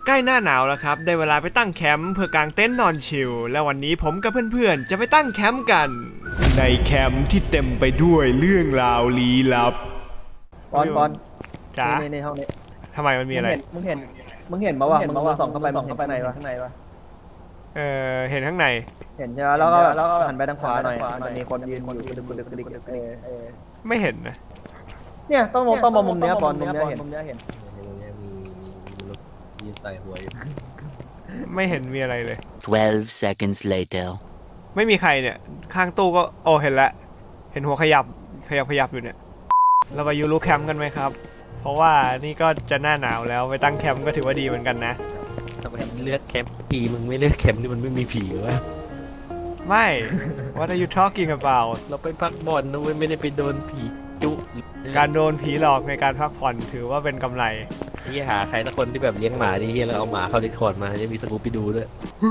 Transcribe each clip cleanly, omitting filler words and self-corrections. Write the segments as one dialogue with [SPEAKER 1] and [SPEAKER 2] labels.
[SPEAKER 1] ใกล้หน้าหนาวแล้วครับได้เวลาไปตั้งแคมป์เพื่อกางเต็นท์นอนชิลและวันนี้ผมกับเพื่อนๆจะไปตั้งแคมป์กันในแคมป์ที่เต็มไปด้วยเรื่องราวลี้ลับ
[SPEAKER 2] ปอน
[SPEAKER 1] จ๋า
[SPEAKER 2] ในห้องนี้
[SPEAKER 1] ทำไมมันมีอะไร
[SPEAKER 2] มึงเห็นปะวะมึงส่องเข้าไปข้างในวะ
[SPEAKER 1] เห็นข้างใน
[SPEAKER 2] เห็นใช่ไหมแล้วก็หันไปทางขวาหน่อยมันมีคนยืนอยู่กระดึก
[SPEAKER 1] ไม่เห็นนะ
[SPEAKER 2] เนี่ยต้องมองมุมเนี้ยปอนมุมเนี้ยเห็น
[SPEAKER 3] มีรถยืนใส่หัวอยู่
[SPEAKER 1] ไม่เห็นมีอะไรเลย
[SPEAKER 4] 12 seconds later
[SPEAKER 1] ไม่มีใครเนี่ยข้างตู้ก็โอ้เห็นแล้วเห็นหัวขยับอยู่เนี่ยเราไปยูรูแคมป์กันไหมครับเพราะว่านี่ก็จะหน้าหนาวแล้วไปตั้งแคมป์ก็ถือว่าดีเหมือนกันนะ
[SPEAKER 3] ทำไมเลือกแคมป์ผีมึงไม่เลือกแคมป์ที่มันไม่มีผีวะ
[SPEAKER 1] ไม่ What are you talking about
[SPEAKER 3] เราไปพักบ่อนนะเว้ยไม่ได้ไปโดนผีจุ
[SPEAKER 1] การโดนผีหลอกในการพักผ่อนถือว่าเป็นกำไร
[SPEAKER 3] ที่หาใครสักคนที่แบบเลี้ยงหมาดีแล้วเอาหมาเข้าดิสคอร์ดมาจะมีสกูปไปดูด้วย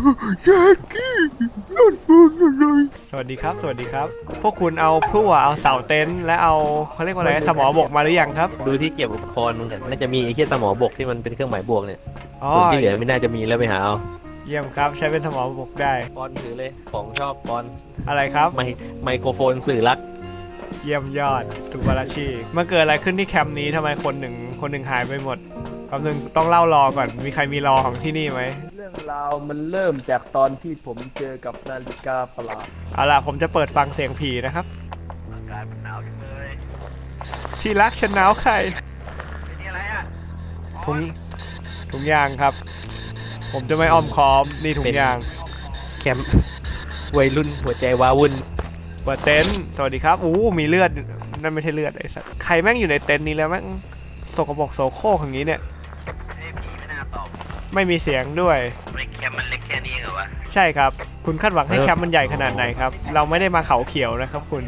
[SPEAKER 1] สวัสดีครับพวกคุณเอาพลั่วเอาเสาเต็นท์และเอาเขาเรียกว่าอะไรสมอบกมาหรือยังครับ
[SPEAKER 3] ดูที่เกี่ยวกับอุปกรณ์มึงน่าจะมีไอ้เหี้ยสมอบกที่มันเป็นเครื่องหมายบวกเนี่ย
[SPEAKER 1] ส่วน
[SPEAKER 3] ที่เหลือไม่น่าจะมีแล้วไปหาเอา
[SPEAKER 1] เยี่ยมครับใช้เป็นสมอบกได้
[SPEAKER 3] ปอนถือเลยของชอบปอน
[SPEAKER 1] อะไรครับ
[SPEAKER 3] ไมโครโฟนสื่อรัก
[SPEAKER 1] เยี่ยมยอดสุบาราชีมันเกิดอะไรขึ้นที่แคมป์นี้ทำไมคนหนึ่งหายไปหมดคำหนึ่งต้องเล่ารอก่อนมีใครมีรอของที่นี่ไหม
[SPEAKER 2] เรื่องราวมันเริ่มจากตอนที่ผมเจอกับนาฬิกาประหลาด
[SPEAKER 1] เอาล่ะผมจะเปิดฟังเสียงผีนะครับ
[SPEAKER 3] อากาศมันหนาวจังเลย
[SPEAKER 1] ที่รักฉันหนาวใคร
[SPEAKER 3] นี่อะไรอ่ะ
[SPEAKER 1] ถุงยางครับผมจะไม่อ้อมค้อมนี่ถุงยาง
[SPEAKER 3] แคมป์วัยรุ่นหัวใจว้าวุ่น
[SPEAKER 1] เปิดเต็นท์สวัสดีครับมีเลือดนั่นไม่ใช่เลือดไอ้สัสใครแม่งอยู่ในเต็นท์นี้แล้วแม่งสกปรกโสโครกอย่างนี้เนี่ย
[SPEAKER 3] ผีไม่น่าตอบ
[SPEAKER 1] ไม่มีเสียงด้วย
[SPEAKER 3] แคมป์มันเล็กแค่นี้เหรอวะ
[SPEAKER 1] ใช่ครับคุณคาดหวังให้แคมป์มันใหญ่ขนาดไหนครับเราไม่ได้มาเขาเขียวนะครับคุณ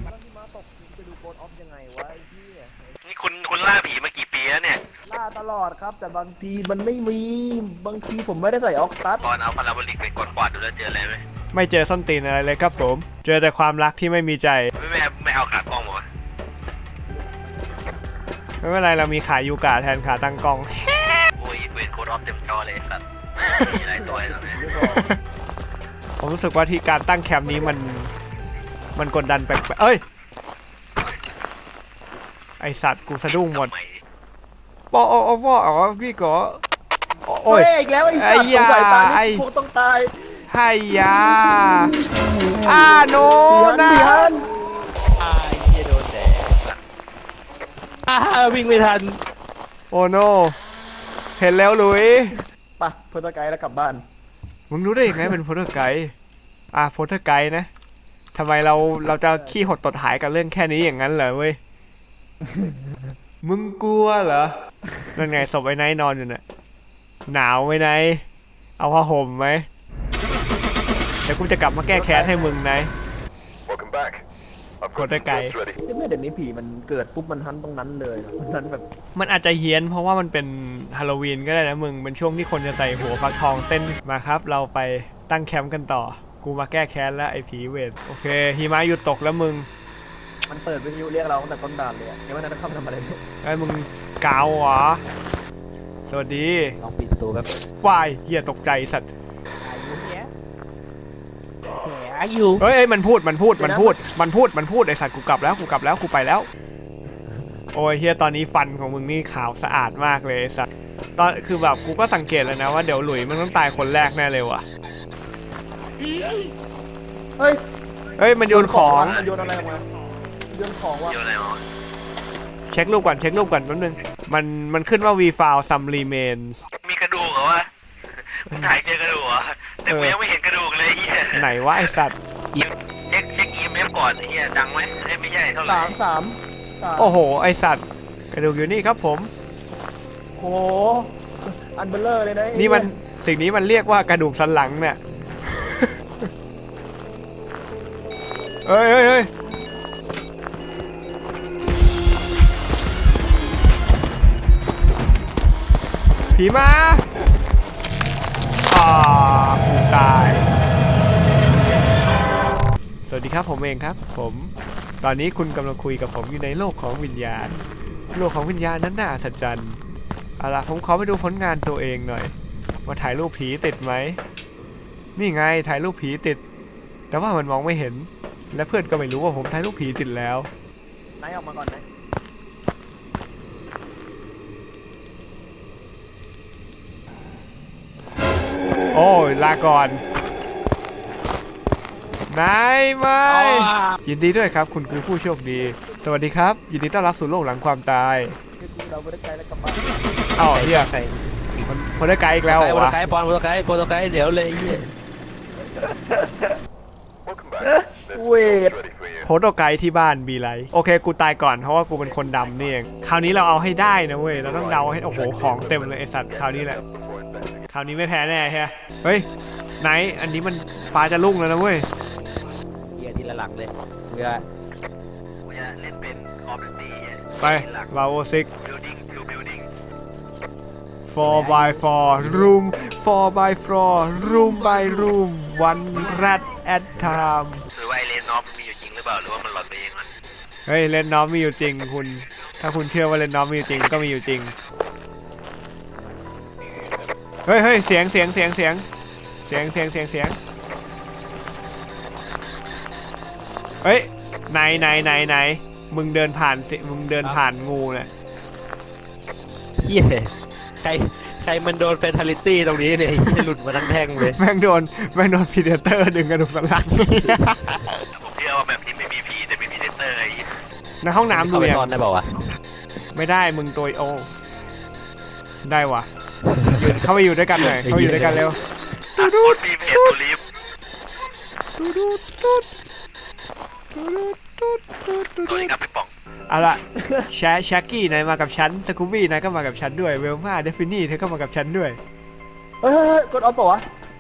[SPEAKER 3] นี่คุณล่าผีมากี่ปีแล้วเนี่ย
[SPEAKER 2] ล่าตลอดครับแต่บางทีมันไม่มีบางทีผมไม่ได้ใส่ออกตัส
[SPEAKER 3] ก่อนเอาพาราโบลิกไปกวาดดูแล้วเจออะไรไหม
[SPEAKER 1] ไม่เจอส้นตีนอะไรเลยครับผมเจอแต่ความรักที่ไม่มีใจ
[SPEAKER 3] ไม่เอาขากล้องมา
[SPEAKER 1] ไม่เป็นไรเรามีขายูกะแทนขาตั้งกล้อง
[SPEAKER 3] โอ้ยเวทโคดออฟเต็มจอเลยสัตว์มีหลายตัวเลย
[SPEAKER 1] ผมรู้สึกว่าที่การตั้งแคมป์นี้มันกดดันแปลกเอ้ยไอสัตว์กูสะดุ้งหมดปอพี่ก็
[SPEAKER 2] โอ้ยอีกแล้วไอ้สัตว์สงสัยตายพวกต้องตาย
[SPEAKER 1] ไฮยาโนนะ
[SPEAKER 3] เฮียโดนแดดวิ่งไม่ทัน
[SPEAKER 1] โอ้โนเห็นแล้วลุย
[SPEAKER 2] ปะโพสไกด์แล้วกลับบ้าน
[SPEAKER 1] มึงรู้ได้ยังไงเป็นโพสไกด์โพสไกด์นะทำไมเราจะขี้หดตดหายกับเรื่องแค่นี้อย่างนั้นเหรอเว้ยมึงกลัวเหรอนั่นไงศพไอ้ไนท์นอนอยู่น่ะหนาวไหมไนท์เอาผ้าห่มไหมเดี๋ยวกูจะกลับมาแก้แค้นให้มึงไนท์โคตรไกล
[SPEAKER 2] เดี๋ยวนี้ผีมันเกิดปุ๊บมันทันตรงนั้นเลยมันแบบ
[SPEAKER 1] มันอาจจะเฮี้ยนเพราะว่ามันเป็นฮาโลวีนก็ได้นะมึงเป็นช่วงที่คนจะใส่หัวฟักทองเต้นมาครับเราไปตั้งแคมป์กันต่อกูมาแก้แค้นแล้วไอ้ผีเวทโอเคหิมะหยุดตกแล้วมึง
[SPEAKER 2] มันเปิดวิทยุเรียกเราตั้งแต่ต้นด่านเลยยังไม่ทันได้เข้าไปทำอะไรเลย
[SPEAKER 1] ไอ้มึงกาวเหรอสวัสดี
[SPEAKER 3] ลองปิดตัวแบบ
[SPEAKER 1] วายเหี้ยตกใจสัตว์
[SPEAKER 3] เ
[SPEAKER 1] ฮ้ยมันพูดไอสัตว์กูกลับแล้วกูไปแล้วโอ้ยเฮียตอนนี้ฟันของมึงนี่ขาวสะอาดมากเลยสัตว์ตอนคือแบบกูก็สังเกตแล้วนะว่าเดี๋ยวหลุยมันต้องตายคนแรกแน่เลยว่ะ
[SPEAKER 2] เฮ้ย
[SPEAKER 1] มันโยนของ
[SPEAKER 2] โยนอะไรมาโยนของวะ
[SPEAKER 1] เช็ครูปก่อนแป๊บนึงมันขึ้นว่า we found some remains
[SPEAKER 3] มีกระดูกเหรอวะมึงถ่ายเจอกระดูกเหรอแต่กูยังไม่เห็นกระดูกเลยเฮีย
[SPEAKER 1] ไหนวะไอสัตว์
[SPEAKER 3] เช็ค EMF ก่อนเฮียดังไหมไม่ใช่เท่าไหร่
[SPEAKER 1] โอ้โหไอสัตว์กระดูกอยู่นี่ครับผม
[SPEAKER 2] โหอันเบลเลอร์เลยนะ
[SPEAKER 1] นี่มันสิ่งนี้มันเรียกว่ากระดูกสันหลังเนี่ยเฮ้ยผีมาตายสวัสดีครับผมเองครับผมตอนนี้คุณกำลังคุยกับผมอยู่ในโลกของวิญญาณนั้นน่าอัศจรรย์เอาล่ะผมขอไปดูผลงานตัวเองหน่อยว่าถ่ายรูปผีติดไหมนี่ไงถ่ายรูปผีติด แต่ว่ามันมองไม่เห็น และเพื่อนก็ไม่รู้ว่าผมถ่ายรูปผีติดแล้ว
[SPEAKER 2] นายออกมาก่อนนะ
[SPEAKER 1] โอ้ยลาก่อนนายไม่ยินดีด้วยครับคุณคือผู้โชคดี สวัสดีครับ ยินดีต้อนรับสู่โลกหลังความตาย
[SPEAKER 2] คือกูเราไม่ได้ใจแล้วกลับบ้าน
[SPEAKER 1] เอ้าเฮียคนได้ไกลอีกแล้วเหรอ
[SPEAKER 5] โปรโต
[SPEAKER 1] วะ
[SPEAKER 5] ไกด์โปรโตไกด์เดี๋ยวเลยไอ้เหี้ย
[SPEAKER 2] เวท
[SPEAKER 1] โพสต์เอาไกด์ที่บ้านมีไรโอเคกูตายก่อนเพราะว่ากูเป็นคนดำนี่เองคราวนี้เราเอาให้ได้นะเว้ยเราต้องเดาให้โอ้โหของเต็มเลยไอสัตว์คราวนี้แหละคราวนี้ไม่แพ้แน่ใช่ไหมเฮ้ยไหนอันนี้มันฟ้าจะรุ่งแล้วนะเว้ย
[SPEAKER 5] เหี้ยทีละหลังเลยเพื่อ
[SPEAKER 3] กูจะเล่นเป็นคอมพิวตี้
[SPEAKER 1] ไปวาโอซิก
[SPEAKER 3] building to building
[SPEAKER 1] 4x4 room 4x4 room by room one rat at time
[SPEAKER 3] หรือว่าไอเลนนอฟมีอยู่จริงหรือเปล่าหรือว่ามันหลอนไปเองมัน
[SPEAKER 1] เฮ้ยเล่นน้องมีอยู่จริงคุณ ถ้าคุณเชื่อว่าเล่นน้องมีอยู่จริงก็มีอยู่จริงเฮ้ยเฮ้ยเสียงเฮ้ยไหนมึงเดินผ่านสิมึงเดินผ่านงูเนี่ย
[SPEAKER 5] เหี้ยใครมันโดนเฟทาลิตี้ตรงนี้เนี่ยไอ้เหี้ยหลุดมาทั้งแท่งเลย
[SPEAKER 1] แม่งโดนพีเดเตอร์ดึงกระดูกสันหลัง
[SPEAKER 3] ผมเชื่อว่าแบบนี้ไม่มีผีแต่มีพีเดเตอร์ไอ้
[SPEAKER 1] ในห้องน้ำดู
[SPEAKER 5] เข้าไป
[SPEAKER 1] ยัง
[SPEAKER 5] ซ่อนได้เปล่าวะ
[SPEAKER 1] ไม่ได้มึงตัวโอได้วะอยู่เข้าไปอยู่ด้วยกันหน่อยเข้าไปอยู่ด้วยกันเร็ว
[SPEAKER 3] คนมีเพจตูลิฟ ตัวนี้ครับไปป่อง
[SPEAKER 1] เอาล่ะแชกกี้นายมากับฉันสกูบี้นายก็มากับฉันด้วยเวลมาเดฟินี่เธอก็มากับฉันด้วย
[SPEAKER 2] เฮ้ยกดออฟเปล่าวะ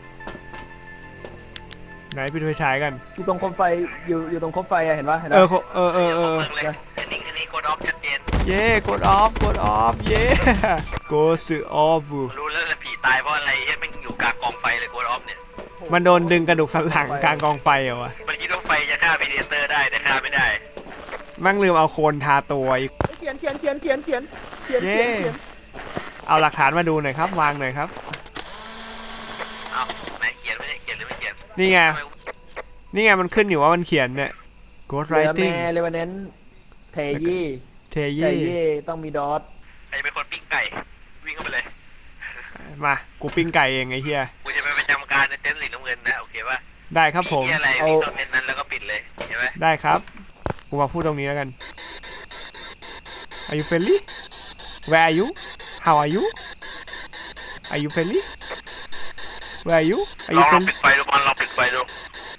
[SPEAKER 1] ไหนไปดูไฟฉายกัน
[SPEAKER 2] อยู่ตรงโคมไฟอยู่ตรงโคมไฟอะเห็นปะเห็น
[SPEAKER 1] เอ
[SPEAKER 2] ปะ
[SPEAKER 1] อ
[SPEAKER 3] เมืองเลยอันนี้กดออฟชัดเจน
[SPEAKER 1] เย่กดออฟเย่โกสึออฟ
[SPEAKER 3] รู้แล้วผีตายเพราะอะไรเฮ้ยมันอยู่กลางกองไฟเลยกดออฟเนี่ย
[SPEAKER 1] มันโดนดึงกระดูกสันหลังกลางกองไฟเหรอวะ
[SPEAKER 3] มันคิดว่าไฟจะฆ่าพีเดเตอร์ได้แต่ฆ่าไม่ได้
[SPEAKER 1] มั่งลืมเอาโคนทาตัวอีก
[SPEAKER 2] เขียน
[SPEAKER 1] เย่เอาหลักฐานมาดูหน่อยครับวางหน่อยครับ
[SPEAKER 3] เอาไหนเขียนไม่ได้เขียนหรือไม่เขียน
[SPEAKER 1] นี่ไงนี่ไงมันขึ้นอยู่ว่ามันเขียนเนี่ย Ghost
[SPEAKER 2] เรือ
[SPEAKER 1] Writing
[SPEAKER 2] แม่เลวานเน้นเทยี่
[SPEAKER 1] เท
[SPEAKER 2] เท
[SPEAKER 1] เย่
[SPEAKER 2] ยี่ต้องมีดอท
[SPEAKER 3] ใครเป็นคนปิ้งไก่วิ่งเข้าไปเลย
[SPEAKER 1] มากูปิ้งไก่เองไอ้เหี้ย
[SPEAKER 3] กูจะไปประจำการในเต็นท์สีน้ำเงินนะโอเคป่ะ
[SPEAKER 1] ได้ครับผม
[SPEAKER 3] มีอะไรวิ่งตรงเต็นท์นั้นแล้วก็ปิดเลยใช่ไหม
[SPEAKER 1] ได้ครับกูมาพูดตรงนี้แล้วกัน Are you friendly Where are you How are you Are you friendly Where are you Are
[SPEAKER 3] ล
[SPEAKER 1] you
[SPEAKER 3] อง
[SPEAKER 1] friendly
[SPEAKER 3] ปิดไฟดูบอลลองปิดไฟดู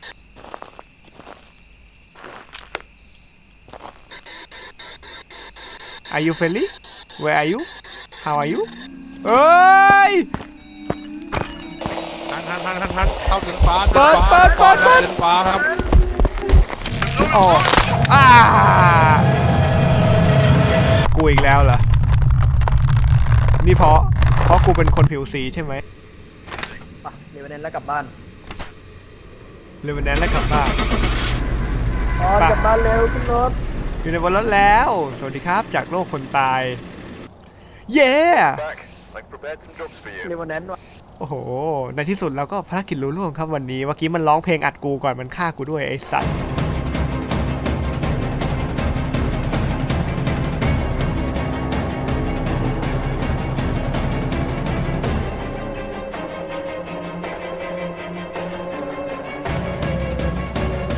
[SPEAKER 1] Are you friendly Where are you How are you เอ้ย
[SPEAKER 6] ทันเข้าถึงฟ้า
[SPEAKER 1] เปิด
[SPEAKER 6] ถึงฟ้าครับ
[SPEAKER 1] อ๋อกูอีกแล้วเหรอ นี่เพราะกูเป็นคนผิวสีใช่ไหม
[SPEAKER 2] ปะเลวานเน้นแล้วกลับบ้าน
[SPEAKER 1] เลยวันนั้นแล้วกลับบ้าน
[SPEAKER 2] ออนกลับบ้านเร็วขึ้นรถ
[SPEAKER 1] อยู่ในบนรถแล้ว สวัสดีครับจากโลกคนตาย เย้
[SPEAKER 2] เลวานเน้นว่ะ
[SPEAKER 1] โอ้โห ในที่สุดเราก็ภารกิจรุ่ร่วงครับวันนี้ เมื่อกี้มันร้องเพลงอัดกูก่อนมันฆ่ากูด้วยไอ้สัตว์